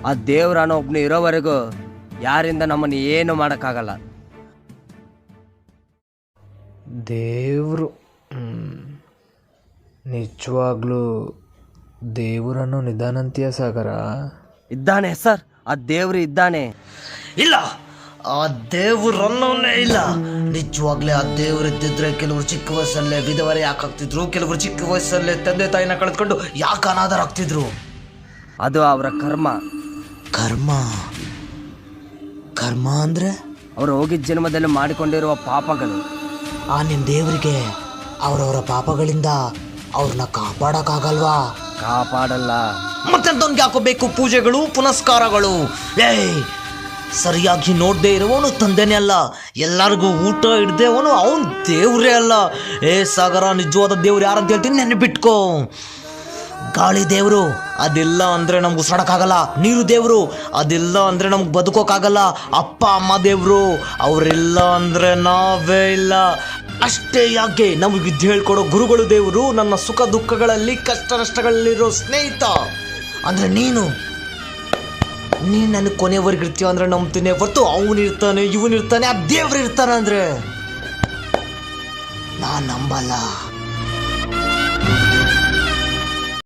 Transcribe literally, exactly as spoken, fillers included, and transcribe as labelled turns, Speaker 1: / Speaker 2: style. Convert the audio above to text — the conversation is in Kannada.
Speaker 1: ಆ ದೇವ್ರನ್ನೋ ಒಬ್ನು ಇರೋವರೆಗೂ ಯಾರಿಂದ ನಮ್ಮನ್ನು ಏನು ಮಾಡೋಕ್ಕಾಗಲ್ಲ.
Speaker 2: ದೇವರು ನಿಜವಾಗ್ಲೂ ದೇವರನ್ನು ನಿಧಾನಂತೀಯ ಸಾಗರ?
Speaker 1: ಇದ್ದಾನೆ ಸರ್, ಆ ದೇವ್ರು ಇದ್ದಾನೆ.
Speaker 3: ಇಲ್ಲ, ಆ ದೇವ್ರನ್ನೋನೇ ಇಲ್ಲ. ನಿಜವಾಗ್ಲೇ ಆ ದೇವ್ರು ಇದ್ದಿದ್ರೆ ಕೆಲವರು ಚಿಕ್ಕ ವಯಸ್ಸಲ್ಲೇ ವಿಧವರೆ ಯಾಕೆ ಆಗ್ತಿದ್ರು, ಕೆಲವರು ಚಿಕ್ಕ ವಯಸ್ಸಲ್ಲೇ ತಂದೆ ತಾಯಿನ ಕಳೆದುಕೊಂಡು ಯಾಕೆ ಅನಾಥರಾಗ್ತಿದ್ರು?
Speaker 1: ಅದು ಅವರ ಕರ್ಮ.
Speaker 3: ಕರ್ಮ ಕರ್ಮ ಅಂದ್ರೆ
Speaker 1: ಅವರು ಹೋಗಿದ್ದ ಜನ್ಮದಲ್ಲಿ ಮಾಡಿಕೊಂಡಿರುವ ಪಾಪಗಳು.
Speaker 3: ಆ ನಿಮ್ಮ ದೇವರಿಗೆ ಅವರವರ ಪಾಪಗಳಿಂದ ಅವ್ರನ್ನ ಕಾಪಾಡಕ್ಕಾಗಲ್ವಾ?
Speaker 1: ಕಾಪಾಡಲ್ಲ.
Speaker 3: ಮತ್ತೆಂತವ್ನಿಗೆ ಹಾಕೋಬೇಕು ಪೂಜೆಗಳು ಪುನಸ್ಕಾರಗಳು? ಏಯ್, ಸರಿಯಾಗಿ ನೋಡದೆ ಇರುವವನು ತಂದೆನೇ ಅಲ್ಲ, ಎಲ್ಲರಿಗೂ ಊಟ ಹಿಡ್ದೆ ಅವನು ಅವನು ದೇವ್ರೇ ಅಲ್ಲ. ಏ ಸಾಗರ, ನಿಜವಾದ ದೇವ್ರು ಯಾರಂತ ಹೇಳ್ತೀನಿ ನೆನಪಿಟ್ಕೋ. ಗಾಳಿ ದೇವರು, ಅದೆಲ್ಲ ಅಂದರೆ ನಮ್ಗೆ ಉಸಿರಾಡಕ್ಕಾಗಲ್ಲ. ನೀರು ದೇವರು, ಅದೆಲ್ಲ ಅಂದರೆ ನಮ್ಗೆ ಬದುಕೋಕ್ಕಾಗಲ್ಲ. ಅಪ್ಪ ಅಮ್ಮ ದೇವರು, ಅವರೆಲ್ಲ ಅಂದರೆ ನಾವೇ ಇಲ್ಲ. ಅಷ್ಟೇ ಯಾಕೆ, ನಮಗೆ ವಿದ್ಯೆ ಹೇಳ್ಕೊಡೋ ಗುರುಗಳು ದೇವರು. ನನ್ನ ಸುಖ ದುಃಖಗಳಲ್ಲಿ ಕಷ್ಟ ನಷ್ಟಗಳಲ್ಲಿರೋ ಸ್ನೇಹಿತ ಅಂದರೆ ನೀನು. ನೀನು ನನಗೆ ಕೊನೆವರೆಗೆ ಇರ್ತೀವ ಅಂದರೆ ನಂಬ್ತೀನಿ ಹೊರತು ಅವನಿರ್ತಾನೆ ಇವನಿರ್ತಾನೆ ಆ ದೇವ್ರು ಇರ್ತಾನೆ ಅಂದರೆ ನಾನು ನಂಬಲ್ಲ.